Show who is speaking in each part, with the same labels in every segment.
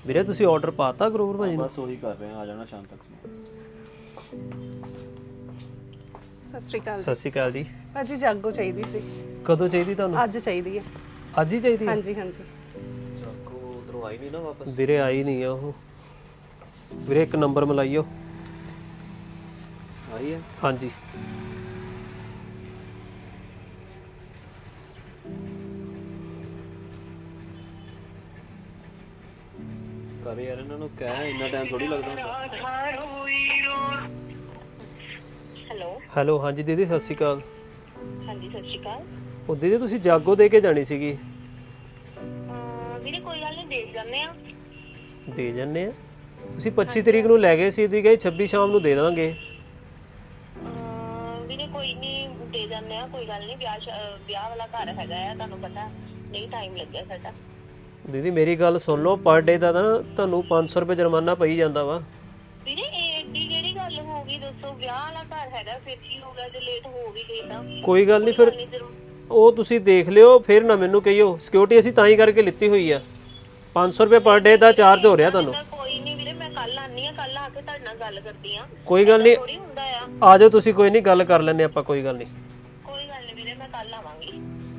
Speaker 1: ਵੀਰੇ ਤੁਸੀਂ ਆਰਡਰ ਪਾਤਾ ਗਰੋਵਰ ਭਾਜੀ ਨੂੰ?
Speaker 2: ਬਸ ਉਹੀ ਕਰ ਰਹੇ ਆ, ਆ ਜਾਣਾ ਸ਼ਾਮ ਤੱਕ।
Speaker 3: ਸਤਿ ਸ਼੍ਰੀ ਅਕਾਲ
Speaker 1: ਸਤਿ ਸ਼੍ਰੀ ਅਕਾਲ ਜੀ।
Speaker 3: ਭਾਜੀ ਜਾਗੋ ਚਾਹੀਦੀ ਸੀ।
Speaker 1: ਕਦੋਂ ਚਾਹੀਦੀ ਤੁਹਾਨੂੰ?
Speaker 3: ਅੱਜ ਚਾਹੀਦੀ ਹੈ।
Speaker 1: ਅੱਜ ਹੀ ਚਾਹੀਦੀ ਹੈ?
Speaker 3: ਹਾਂਜੀ ਹਾਂਜੀ।
Speaker 2: ਜਾਗੋ ਉਧਰੋਂ ਆਈ ਨਹੀਂ ਨਾ ਵਾਪਸ?
Speaker 1: ਵੀਰੇ ਆਈ ਨਹੀਂ ਆ ਉਹ। ਵੀਰੇ ਇੱਕ ਨੰਬਰ ਮਿਲਾਈਓ।
Speaker 2: ਆਈ ਹੈ?
Speaker 1: ਹਾਂਜੀ
Speaker 2: ਕਰ ਯਾਰ ਇਹਨਾਂ ਨੂੰ ਕਹਿ, ਇੰਨਾ ਟਾਈਮ ਥੋੜੀ ਲੱਗਦਾ ਹੁੰਦਾ।
Speaker 4: Hello
Speaker 1: hello. ਹਾਂਜੀ ਦੀਦੀ ਸਤਿ ਸ਼੍ਰੀ ਅਕਾਲ।
Speaker 4: ਹਾਂਜੀ ਸਤਿ ਸ਼੍ਰੀ ਅਕਾਲ।
Speaker 1: ਉਹ ਦੀਦੀ ਤੁਸੀਂ ਜਾਗੋ ਦੇ ਕੇ ਜਾਣੀ ਸੀਗੀ।
Speaker 4: ਵੀਰੇ ਕੋਈ ਗੱਲ ਨਹੀਂ, ਦੇਖ ਜਾਂਦੇ ਆ।
Speaker 1: ਦੇ ਜੰਨੇ ਆ। ਤੁਸੀਂ 25 ਤਰੀਕ ਨੂੰ ਲੈ ਗਏ ਸੀ, ਤੁਸੀਂ ਕਹੇ 26 ਸ਼ਾਮ ਨੂੰ ਦੇ ਦਾਂਗੇ।
Speaker 4: ਵੀਰੇ ਕੋਈ ਨਹੀਂ, ਦੇ ਜਾਂਦੇ ਆ, ਕੋਈ ਗੱਲ ਨਹੀਂ। ਵਿਆਹ ਵਾਲਾ ਘਰ ਹੈਗਾ ਆ, ਤੁਹਾਨੂੰ ਪਤਾ ਨਹੀਂ, ਟਾਈਮ ਲੱਗਿਆ ਸਾਡਾ।
Speaker 1: ਦੀਦੀ ਮੇਰੀ ਗੱਲ ਸੁਣ ਲਓ, ਪਰ ਡੇ ਦਾ ਤਾਂ ਤੁਹਾਨੂੰ 500 ਰੁਪਏ ਜੁਰਮਾਨਾ ਪਈ ਜਾਂਦਾ ਵਾ।
Speaker 4: ਵੀਰੇ ਇਹ ਏਡੀ ਕਿਹੜੀ ਗੱਲ ਹੋ ਗਈ ਦੱਸੋ? ਵਿਆਹ ਵਾਲਾ ਘਰ ਹੈਗਾ, ਫਿਰ ਕੀ ਹੋ ਗਿਆ ਜੇ ਲੇਟ ਹੋ ਵੀ ਗਏ ਤਾਂ?
Speaker 1: ਕੋਈ ਗੱਲ ਨਹੀਂ, ਫਿਰ ਉਹ ਤੁਸੀਂ ਦੇਖ ਲਿਓ, ਫਿਰ ਨਾ ਮੈਨੂੰ ਕਹੀਓ। ਸਿਕਿਉਰਿਟੀ ਅਸੀਂ ਤਾਂ ਹੀ ਕਰਕੇ ਲਿੱਤੀ ਹੋਈ ਆ। 500 ਰੁਪਏ ਪਰ ਡੇ ਦਾ ਚਾਰਜ ਹੋ ਰਿਹਾ ਤੁਹਾਨੂੰ।
Speaker 4: ਕੋਈ ਨਹੀਂ ਵੀਰੇ, ਮੈਂ ਕੱਲ ਆਨੀ ਆ, ਕੱਲ ਆ ਕੇ ਤੁਹਾਡੇ ਨਾਲ ਗੱਲ ਕਰਦੀ ਆ।
Speaker 1: ਕੋਈ ਗੱਲ ਨਹੀਂ,
Speaker 4: ਥੋੜੀ ਹੁੰਦਾ ਆ।
Speaker 1: ਆ ਜਾਓ ਤੁਸੀਂ, ਕੋਈ ਨਹੀਂ, ਗੱਲ ਕਰ ਲੈਂਦੇ ਆਪਾਂ। ਕੋਈ ਗੱਲ ਨਹੀਂ,
Speaker 4: ਕੋਈ ਗੱਲ ਨਹੀਂ ਵੀਰੇ, ਮੈਂ ਕੱਲ ਆਵਾਂਗੀ।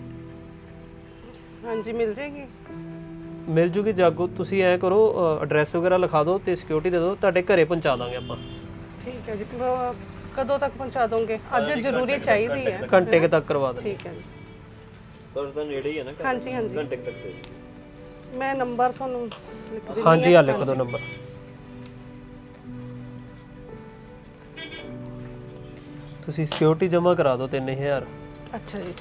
Speaker 3: ਹਾਂਜੀ ਮਿਲ ਜੇਗੀ।
Speaker 1: ਮਿਲ ਜੂਗੀ ਜਾਗੋ। ਤੁਸੀਂ ਐ ਕਰੋ, ਐਡਰੈਸ ਵਗੈਰਾ ਲਿਖਾ ਦਿਓ ਤੇ ਸਿਕਿਉਰਿਟੀ ਦੇ ਦਿਓ, ਤੁਹਾਡੇ ਘਰੇ ਪਹੁੰਚਾ ਦਾਂਗੇ ਆਪਾਂ।
Speaker 3: ਠੀਕ ਹੈ ਜੀ। ਕਦੋਂ ਤੱਕ ਪਹੁੰਚਾ ਦੋਗੇ? ਅੱਜ ਜ਼ਰੂਰੀ ਚਾਹੀਦੀ ਹੈ।
Speaker 1: ਘੰਟੇ ਕੁ ਤੱਕ ਕਰਵਾ ਦਾਂਗੇ।
Speaker 3: ਠੀਕ ਹੈ ਜੀ।
Speaker 2: ਪਰ ਤਾਂ ਨੇੜੇ ਹੀ ਹੈ ਨਾ ਘਰ?
Speaker 3: ਹਾਂਜੀ ਹਾਂਜੀ।
Speaker 2: ਘੰਟੇ ਕੁ ਤੱਕ ਤੇ ਜੀ।
Speaker 3: ਮੈਂ ਨੰਬਰ ਤੁਹਾਨੂੰ ਲਿਖ ਦਿੰਦੀ ਹਾਂ।
Speaker 1: ਹਾਂਜੀ ਆ ਲਿਖ ਦਿਓ ਨੰਬਰ। ਤੁਸੀਂ ਸਿਕਿਉਰਿਟੀ ਜਮ੍ਹਾਂ ਕਰਾ ਦਿਓ 3000।
Speaker 3: ਅੱਛਾ ਜੀ।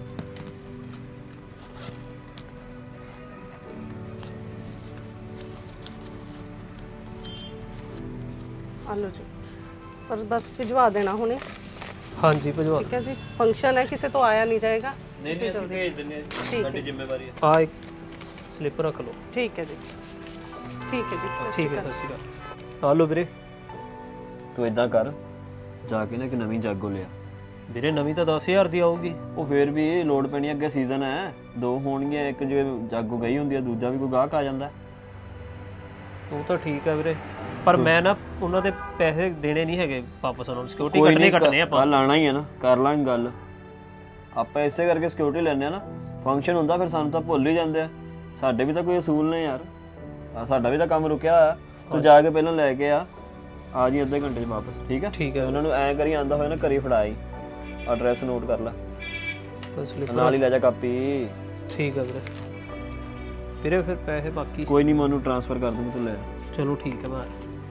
Speaker 3: ਆਲੋ ਜੀ, ਪਰ ਬਸ ਭਿਜਵਾ ਦੇਣਾ ਹੁਣੇ।
Speaker 1: ਹਾਂਜੀ ਭਜਵਾ।
Speaker 3: ਠੀਕ ਹੈ ਜੀ। ਫੰਕਸ਼ਨ ਹੈ, ਕਿਸੇ ਤੋਂ ਆਇਆ ਨਹੀਂ ਜਾਏਗਾ।
Speaker 2: ਨਹੀਂ ਨਹੀਂ, ਅਸੀਂ ਭੇਜ ਦਿੰਦੇ ਆ, ਸਾਡੀ ਜ਼ਿੰਮੇਵਾਰੀ ਹੈ।
Speaker 1: ਆ ਇੱਕ ਸਲਿੱਪ ਰੱਖ ਲਓ।
Speaker 3: ਠੀਕ ਹੈ ਜੀ। ਠੀਕ ਹੈ ਜੀ।
Speaker 1: ਠੀਕ ਹੈ, ਸਤਿ ਸ਼੍ਰੀ ਅਕਾਲ। ਆ ਲਓ ਵੀਰੇ।
Speaker 2: ਤੂੰ ਇਦਾਂ ਕਰ, ਜਾ ਕੇ ਨਾ ਇੱਕ ਨਵੀਂ ਜਾਗੋ ਲਿਆ।
Speaker 1: ਵੀਰੇ ਨਵੀਂ ਤਾਂ 10000 ਦੀ ਆਊਗੀ।
Speaker 2: ਉਹ ਫੇਰ ਵੀ ਲੋਡ ਪੈਣੀ, ਅੱਗੇ ਸੀਜ਼ਨ ਹੈ, 2 ਹੋਣਗੀਆਂ। ਇੱਕ ਜੇ ਜਾਗੋ ਗਈ ਹੁੰਦੀ ਹੈ, ਦੂਜਾ ਵੀ ਕੋਈ ਗਾਹਕ ਆ ਜਾਂਦਾ।
Speaker 1: ਉਹ ਤਾਂ ਠੀਕ ਹੈ ਵੀਰੇ, ਪਰ ਮੈਂ ਨਾ ਉਹਨਾਂ ਦੇ ਪੈਸੇ ਦੇਣੇ ਨਹੀਂ ਹੈਗੇ ਵਾਪਸ। ਉਹਨਾਂ ਨੂੰ ਸਿਕਿਉਰਿਟੀ ਕੱਟਣੇ ਆਪਾਂ।
Speaker 2: ਕੱਲ ਆਣਾ ਹੀ ਹੈ ਨਾ, ਕਰ ਲਾਂਗੇ ਗੱਲ ਆਪਾਂ। ਇਸੇ ਕਰਕੇ ਸਿਕਿਉਰਿਟੀ ਲੈਣੇ ਆ ਨਾ। ਫੰਕਸ਼ਨ ਹੁੰਦਾ ਫਿਰ ਸਾਨੂੰ ਤਾਂ ਭੁੱਲ ਹੀ ਜਾਂਦੇ ਆ। ਸਾਡੇ ਵੀ ਤਾਂ ਕੋਈ ਅਸੂਲ ਨੇ ਯਾਰ, ਸਾਡਾ ਵੀ ਤਾਂ ਕੰਮ ਰੁਕਿਆ ਹੋਇਆ। ਤੂੰ ਜਾ ਕੇ ਪਹਿਲਾਂ ਲੈ ਕੇ ਆ ਜੀ ਅੱਧੇ ਘੰਟੇ 'ਚ ਵਾਪਸ। ਠੀਕ ਹੈ?
Speaker 1: ਠੀਕ ਹੈ।
Speaker 2: ਉਹਨਾਂ ਨੂੰ ਐਂ ਕਰੀ ਆਂਦਾ ਹੋਇਆ ਨਾ, ਘਰੇ ਫੜਾਈ। ਐਡਰੈਸ ਨੋਟ ਕਰ ਲੈ,
Speaker 1: ਸਲਿੱਪ
Speaker 2: ਨਾਲ ਹੀ ਲੈ ਜਾ ਕਾਪੀ।
Speaker 1: ਠੀਕ ਹੈ ਵੀਰੇ। ਵੀਰੇ ਫਿਰ ਪੈਸੇ ਬਾਕੀ
Speaker 2: ਕੋਈ ਨਹੀਂ, ਮੈਂ ਉਹਨੂੰ ਟ੍ਰਾਂਸਫਰ ਕਰ ਦੂੰਗਾ, ਤੂੰ ਲੈ।
Speaker 1: ਚਲੋ ਠੀਕ ਹੈ। ਮੈਂ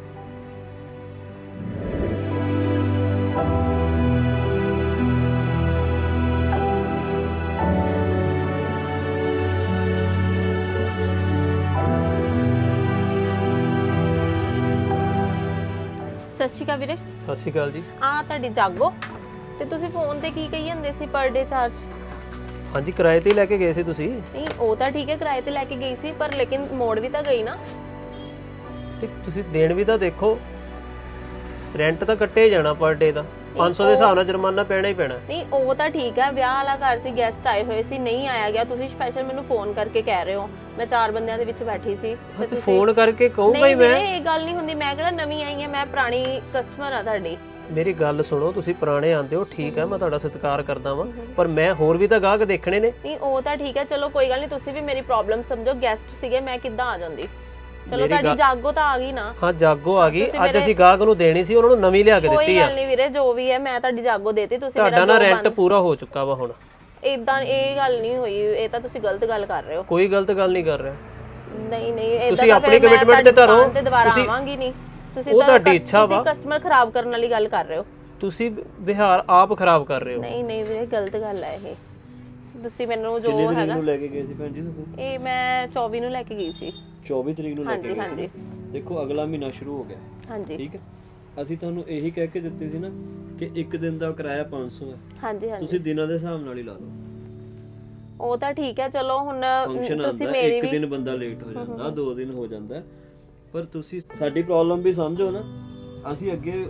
Speaker 5: ਸਤਿ ਸ਼੍ਰੀ ਅਕਾਲ ਵੀਰੇ।
Speaker 1: ਸਤਿ ਸ਼੍ਰੀ ਅਕਾਲ ਜੀ।
Speaker 5: ਆ ਤੁਹਾਡੀ ਜਾਗੋ ਤੇ ਤੁਸੀਂ ਫੋਨ ਤੇ ਕੀ ਕਹੀ ਜਾਂਦੇ ਸੀ ਪਰ ਡੇ ਚਾਰਜ?
Speaker 1: ਹਾਂਜੀ ਕਿਰਾਏ ਤੇ ਹੀ ਲੈ ਕੇ ਗਏ ਸੀ ਤੁਸੀਂ।
Speaker 5: ਨਹੀਂ ਉਹ ਤਾਂ ਠੀਕ ਹੈ, ਕਿਰਾਏ ਤੇ ਲੈ ਕੇ ਗਈ ਸੀ, ਪਰ ਲੇਕਿਨ ਮੋੜ ਵੀ ਤਾਂ ਗਈ ਨਾ।
Speaker 1: ਤੇ ਤੁਸੀਂ ਦੇਣ ਵੀ ਤਾਂ ਦੇਖੋ, ਰੈਂਟ ਤਾਂ ਕੱਟੇ ਹੀ ਜਾਣਾ ਪਰ ਡੇ ਦਾ। 500 ਦੇ ਹਿਸਾਬ ਨਾਲ ਜੁਰਮਾਨਾ ਪੈਣਾ ਹੀ ਪੈਣਾ।
Speaker 5: ਨਹੀਂ ਉਹ ਤਾਂ ਠੀਕ ਹੈ, ਵਿਆਹ ਵਾਲਾ ਘਰ ਸੀ, ਗੈਸਟ ਆਏ ਹੋਏ ਸੀ, ਨਹੀਂ ਆਇਆ ਗਿਆ। ਤੁਸੀਂ ਸਪੈਸ਼ਲ ਮੈਨੂੰ ਫੋਨ ਕਰਕੇ ਕਹਿ ਰਹੇ ਹੋ, ਮੈਂ 4 ਬੰਦਿਆਂ ਦੇ ਵਿੱਚ ਬੈਠੀ ਸੀ
Speaker 1: ਤੇ ਤੁਸੀਂ ਫੋਨ ਕਰਕੇ ਕਹੂੰਗਾ ਹੀ ਮੈਂ।
Speaker 5: ਇਹ ਗੱਲ ਨਹੀਂ ਹੁੰਦੀ, ਮੈਂ ਕਿਹੜਾ ਨਵੀਂ ਆਈ ਹਾਂ, ਮੈਂ ਪੁਰਾਣੀ ਕਸਟਮਰ ਆ ਤੁਹਾਡੀ।
Speaker 1: ਮੇਰੀ ਗੱਲ ਸੁਣੋ, ਤੁਸੀਂ ਪੁਰਾਣੇ ਆਂਦੇ ਹੋ, ਠੀਕ ਹੈ, ਮੈਂ ਤੁਹਾਡਾ ਸਤਿਕਾਰ ਕਰਦਾ ਵਾਂ, ਪਰ ਮੈਂ ਹੋਰ ਵੀ ਤਾਂ ਗਾਹਕ ਦੇਖਣੇ ਨੇ।
Speaker 5: ਨਹੀਂ ਉਹ ਤਾਂ ਠੀਕ ਹੈ, ਚਲੋ ਕੋਈ ਗੱਲ ਨਹੀਂ, ਤੁਸੀਂ ਵੀ ਮੇਰੀ ਪ੍ਰੋਬਲਮ ਸਮਝੋ। ਗੈਸਟ ਸੀਗੇ, ਮੈਂ ਕਿੱਦਾਂ ਆ ਜਾਂਦੀ? ਚਲੋ ਤੁਹਾਡੀ ਜਾਗੋ ਤਾਂ ਆ ਗਈ ਨਾ।
Speaker 1: ਹਾਂ ਜਾਗੋ ਆ ਗਈ। ਅੱਜ ਅਸੀਂ ਗਾਹਕ ਨੂੰ ਦੇਣੀ ਸੀ, ਉਹਨਾਂ ਨੂੰ ਨਵੀਂ ਲਿਆ ਕੇ ਦਿੱਤੀ ਆ।
Speaker 5: ਕੋਈ ਗੱਲ ਨਹੀਂ ਵੀਰੇ, ਜੋ ਵੀ ਹੈ ਮੈਂ ਤੁਹਾਡੀ ਜਾਗੋ ਦੇਤੀ। ਤੁਸੀਂ
Speaker 1: ਤੁਹਾਡਾ ਨਾ ਰੈਂਟ ਪੂਰਾ ਹੋ ਚੁੱਕਾ ਵਾ ਹੁਣ।
Speaker 5: ਇਦਾਂ ਇਹ ਗੱਲ ਨਹੀਂ ਹੋਈ, ਇਹ ਤਾਂ ਤੁਸੀਂ ਗਲਤ ਗੱਲ ਕਰ ਰਹੇ ਹੋ।
Speaker 1: ਕੋਈ ਗਲਤ ਗੱਲ ਨਹੀਂ ਕਰ ਰਿਹਾ।
Speaker 5: ਨਹੀਂ ਨਹੀਂ, ਇਦਾਂ
Speaker 1: ਤੁਸੀਂ ਆਪਣੀ ਕਮਿਟਮੈਂਟ ਤੇ ਧਰੋ।
Speaker 5: ਤੇ ਦੁਬਾਰਾ ਆਵਾਂਗੀ ਨਹੀਂ। ਤੁਸੀਂ
Speaker 1: ਉਹ ਤੁਹਾਡੀ ਇੱਛਾ ਵਾ।
Speaker 5: ਤੁਸੀਂ ਕਸਟਮਰ ਖਰਾਬ ਕਰਨ ਵਾਲੀ ਗੱਲ ਕਰ ਰਹੇ ਹੋ।
Speaker 1: ਤੁਸੀਂ ਵਿਹਾਰ ਆਪ ਖਰਾਬ ਕਰ ਰਹੇ ਹੋ।
Speaker 5: ਨਹੀਂ ਨਹੀਂ ਵੀਰੇ, ਗਲਤ ਗੱਲ ਹੈ ਇਹ। ਤੁਸੀਂ ਮੈਨੂੰ ਜੋ
Speaker 2: ਕਿੰਨੀ ਤਰੀਕ
Speaker 5: ਹੈਗਾ
Speaker 2: ਨੂੰ ਲੈ ਕੇ ਗਏ ਸੀ ਭੈਣ ਜੀ ਤੁਸੀਂ?
Speaker 5: ਇਹ ਮੈਂ 24 ਨੂੰ ਲੈ ਕੇ ਗਈ ਸੀ।
Speaker 2: 24 ਤਰੀਕ ਨੂੰ ਲੈ ਕੇ ਗਏ
Speaker 5: ਹਾਂਜੀ
Speaker 2: ਸੀ। ਦੇਖੋ ਅਗਲਾ ਮਹੀਨਾ ਸ਼ੁਰੂ ਹੋ ਗਿਆ।
Speaker 5: ਹਾਂਜੀ
Speaker 2: ਠੀਕ ਹੈ, ਅਸੀਂ ਤੁਹਾਨੂੰ ਇਹੀ ਕਹਿ ਕੇ ਦਿੱਤੇ ਸੀ ਨਾ ਕਿ ਇੱਕ ਦਿਨ ਦਾ ਕਿਰਾਇਆ 500 ਹੈ।
Speaker 5: ਹਾਂਜੀ ਹਾਂਜੀ,
Speaker 2: ਤੁਸੀਂ ਦਿਨਾਂ ਦੇ ਹਿਸਾਬ ਨਾਲ ਹੀ ਲਾ ਲਓ।
Speaker 5: ਉਹ ਤਾਂ ਠੀਕ ਹੈ। ਚਲੋ ਹੁਣ
Speaker 2: ਫੰਕਸ਼ਨ
Speaker 5: ਤੁਸੀਂ
Speaker 2: ਆਉਂਦਾ,
Speaker 5: ਮੇਰੀ
Speaker 2: ਇੱਕ
Speaker 5: ਵੀ
Speaker 2: ਦਿਨ ਬੰਦਾ ਲੇਟ ਹੋ ਜਾਂਦਾ, 2 ਦਿਨ ਹੋ ਜਾਂਦਾ, ਪਰ ਤੁਸੀਂ ਸਾਡੀ ਪ੍ਰੋਬਲਮ ਵੀ ਸਮਝੋ ਨਾ। ਅਸੀਂ ਅੱਗੇ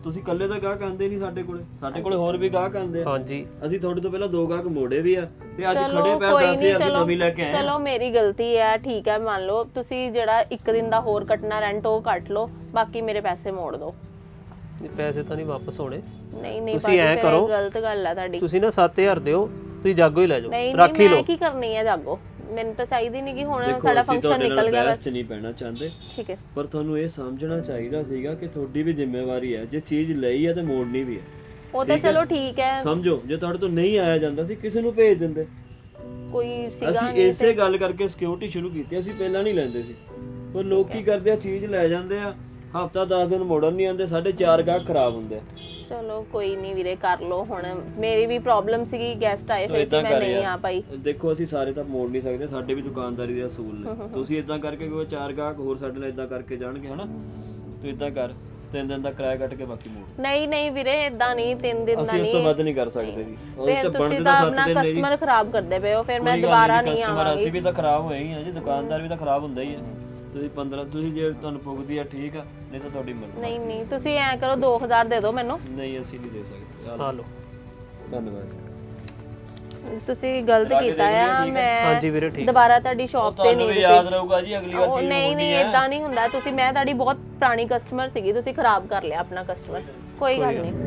Speaker 2: ਤੁਸੀਂ ਇਕੱਲੇ ਤਾਂ ਗਾਹਕ ਆਂਦੇ ਨਹੀਂ ਸਾਡੇ ਕੋਲੇ ਹੋਰ ਵੀ ਗਾਹਕ ਆਂਦੇ ਆ।
Speaker 1: ਹਾਂਜੀ
Speaker 2: ਅਸੀਂ ਤੁਹਾਡੇ ਤੋਂ ਪਹਿਲਾਂ 2 ਗਾਹਕ ਮੋੜੇ ਵੀ ਆ ਤੇ ਅੱਜ
Speaker 5: ਚਲੋ
Speaker 2: ਖੜੇ ਪੈਰ
Speaker 5: ਕੋਈ
Speaker 2: 10,000
Speaker 5: ਨਹੀਂ,
Speaker 2: ਦੀ ਨਵੀਂ ਲੈ ਕੇ ਆਏ ਆ।
Speaker 5: ਚਲੋ ਮੇਰੀ ਗਲਤੀ ਹੈ, ਠੀਕ ਹੈ ਮੰਨ ਲਓ। ਤੁਸੀਂ ਜਿਹੜਾ 1 ਦਿਨ ਦਾ ਹੋਰ ਕੱਟਣਾ ਰੈਂਟ ਉਹ ਕੱਟ ਲਓ, ਬਾਕੀ ਮੇਰੇ ਪੈਸੇ ਮੋੜ ਦਿਓ।
Speaker 1: ਇਹ ਪੈਸੇ ਤਾਂ ਨਹੀਂ ਵਾਪਸ ਹੋਣੇ।
Speaker 5: ਨਹੀਂ
Speaker 1: ਤੁਸੀਂ ਐਂ ਕਰੋ,
Speaker 5: ਗਲਤ ਗੱਲ ਹੈ ਤੁਹਾਡੀ।
Speaker 1: ਤੁਸੀਂ ਨਾ 7,000 ਦਿਓ, ਤੁਸੀਂ ਜਾਗੋ ਹੀ ਲੈ ਜਾਓ,
Speaker 5: ਨਹੀਂ
Speaker 1: ਰੱਖ ਹੀ
Speaker 5: ਨਹੀਂ, ਮੈਂ
Speaker 1: ਲਓ।
Speaker 5: ਕੀ ਕਰਨੀ ਹੈ ਜਾਗੋ? ਮੈਨੂੰ ਤਾਂ ਚਾਹੀਦੀ ਨਹੀਂ ਕਿ ਹੁਣ
Speaker 2: ਦੇਖੋ,
Speaker 5: ਸਾਡਾ
Speaker 2: ਅਸੀਂ
Speaker 5: ਫੰਕਸ਼ਨ
Speaker 2: ਤੁਹਾਡੇ ਨਾਲ
Speaker 5: ਨਿਕਲ ਗਿਆ
Speaker 2: ਬਹਿਸ
Speaker 5: ਬਸ।
Speaker 2: 'ਚ ਨਹੀਂ ਪੈਣਾ ਚਾਹੁੰਦੇ,
Speaker 5: ਠੀਕ ਹੈ,
Speaker 2: ਪਰ ਤੁਹਾਨੂੰ ਇਹ ਸਮਝਣਾ ਚਾਹੀਦਾ ਸੀਗਾ ਕਿ ਤੁਹਾਡੀ ਵੀ ਜ਼ਿੰਮੇਵਾਰੀ ਹੈ। ਜੇ ਚੀਜ਼ ਲਈ ਹੈ ਤੇ ਮੋੜਨੀ ਵੀ ਹੈ।
Speaker 5: ਉਹ ਤਾਂ ਚਲੋ ਠੀਕ ਹੈ,
Speaker 2: ਸਮਝੋ, ਜੇ ਤੁਹਾਡੇ ਤੋਂ ਨਹੀਂ ਆਇਆ ਜਾਂਦਾ ਸੀ ਕਿਸੇ ਨੂੰ ਭੇਜ ਦਿੰਦੇ।
Speaker 5: ਕੋਈ ਸੀਗਾ
Speaker 2: ਅਸੀਂ
Speaker 5: ਨਹੀਂ
Speaker 2: ਇਸੇ ਗੱਲ ਕਰਕੇ ਸਿਕਿਉਰਿਟੀ ਸ਼ੁਰੂ ਕੀਤੀ। ਅਸੀਂ ਪਹਿਲਾਂ ਨਹੀਂ ਲੈਂਦੇ ਸੀ, ਪਰ ਲੋਕ ਕੀ ਕਰਦੇ ਆ, ਚੀਜ਼ ਲੈ ਜਾਂਦੇ ਆ, ਹਫਤਾ 10 ਦਿਨ ਮੋੜਨ ਨਹੀਂ ਆਉਂਦੇ, 4.5 ਗਾਹਕ ਖਰਾਬ ਹੁੰਦੇ ਆ।
Speaker 5: ਚਲੋ ਕੋਈ ਨਹੀਂ ਵੀਰੇ, ਕਰ ਲਓ। ਹੁਣ ਮੇਰੀ ਵੀ ਪ੍ਰੋਬਲਮ ਸੀਗੀ, ਗੈਸਟ ਆਏ ਹੋਏ ਸੀ, ਮੈਂ ਨਹੀਂ ਆ ਪਾਈ।
Speaker 2: ਦੇਖੋ ਅਸੀਂ ਸਾਰੇ ਤਾਂ ਮੋੜ ਨਹੀਂ ਸਕਦੇ, ਸਾਡੇ ਵੀ ਦੁਕਾਨਦਾਰੀ ਦੇ ਅਸੂਲ ਨੇ। ਤੁਸੀਂ ਇਦਾਂ ਕਰਕੇ ਕੋਈ 4 ਗਾਹਕ ਹੋਰ ਸਾਡੇ ਨਾਲ ਇਦਾਂ ਕਰਕੇ ਜਾਣਗੇ ਹਨਾ, ਤੂੰ ਇਦਾਂ ਕਰ, 3 ਦਿਨ ਦਾ ਕਿਰਾਇਆ ਕੱਟ ਕੇ ਬਾਕੀ ਮੋੜ।
Speaker 5: ਨਹੀਂ ਵੀਰੇ, ਇਦਾਂ ਨਹੀਂ, 3 ਦਿਨ ਦਾ
Speaker 2: ਅਸੀਂ ਇਸ ਤੋਂ ਵੱਧ ਨਹੀਂ ਕਰ ਸਕਦੇ ਜੀ।
Speaker 5: ਫਿਰ ਤੁਸੀਂ ਤਾਂ ਆਪਣਾ ਕਸਟਮਰ ਖਰਾਬ ਕਰਦੇ ਪਏ ਹੋ, ਫਿਰ ਮੈਂ ਦੁਬਾਰਾ ਨਹੀਂ ਆਵਾਂਗੀ।
Speaker 2: ਅਸੀਂ ਵੀ ਤਾਂ ਖਰਾਬ ਹੋਏ ਹੀ ਆ ਜੀ, ਦੁਕਾਨਦਾਰ ਵੀ ਤਾਂ ਖਰਾਬ ਹੁੰਦਾ ਹੀ ਆ। ਤੁਸੀਂ 15 ਤੁਸੀਂ ਜੇ ਤੁਹਾਨੂੰ ਪੁੱਗਦੀ ਆ ਠੀਕ ਆ, ਨਹੀਂ ਤਾਂ ਤੁਹਾਡੀ ਮਰਜ਼ੀ।
Speaker 5: ਨਹੀਂ ਤੁਸੀਂ ਐਂ ਕਰੋ, 2000 ਦੇ ਦਿਓ ਮੈਨੂੰ।
Speaker 2: ਨਹੀਂ ਅਸੀਂ ਨਹੀਂ ਦੇ ਸਕਦੇ।
Speaker 1: ਆ ਲਓ।
Speaker 2: ਧੰਨਵਾਦ।
Speaker 5: ਤੁਸੀਂ ਗਲਤ ਕੀਤਾ ਆ। ਮੈਂ
Speaker 1: ਹਾਂਜੀ ਵੀਰੇ ਠੀਕ।
Speaker 5: ਦੁਬਾਰਾ ਤੁਹਾਡੀ ਸ਼ਾਪ ਤੇ
Speaker 2: ਤੁਹਾਨੂੰ
Speaker 5: ਨਹੀਂ
Speaker 2: ਵੀ ਯਾਦ ਰਹੂਗਾ ਜੀ, ਅਗਲੀ ਵਾਰ ਚੀਜ਼
Speaker 5: ਨਹੀਂ ਇਦਾਂ ਨਹੀਂ ਹੁੰਦਾ। ਤੁਸੀਂ, ਮੈਂ ਤੁਹਾਡੀ ਬਹੁਤ ਪੁਰਾਣੀ ਕਸਟਮਰ ਸੀਗੀ, ਤੁਸੀਂ ਖਰਾਬ ਕਰ ਲਿਆ ਆਪਣਾ ਕਸਟਮਰ। ਕੋਈ ਗੱਲ ਨਹੀਂ।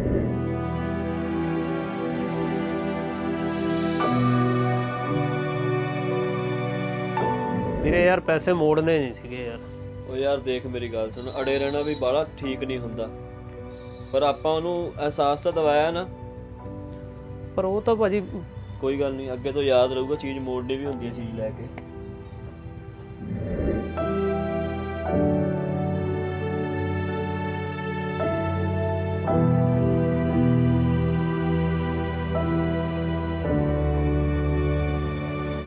Speaker 1: ਵੀਰੇ ਯਾਰ ਪੈਸੇ ਮੋੜਨੇ ਨਹੀਂ ਸੀਗੇ ਯਾਰ।
Speaker 2: ਉਹ ਯਾਰ ਦੇਖ ਮੇਰੀ ਗੱਲ ਸੁਣ, ਅੜੇ ਰਹਿਣਾ ਵੀ ਬਾਹਲਾ ਠੀਕ ਨਹੀਂ ਹੁੰਦਾ, ਪਰ ਆਪਾਂ ਉਹਨੂੰ ਅਹਿਸਾਸ ਤਾਂ ਦਵਾਇਆ ਨਾ।
Speaker 1: ਪਰ ਉਹ ਤਾਂ ਭਾਜੀ
Speaker 2: ਕੋਈ ਗੱਲ ਨਹੀਂ, ਅੱਗੇ ਤੋਂ ਯਾਦ ਰਹੂਗਾ, ਚੀਜ਼ ਮੋੜਨੀ ਵੀ ਹੁੰਦੀ ਹੈ ਚੀਜ਼ ਲੈ ਕੇ।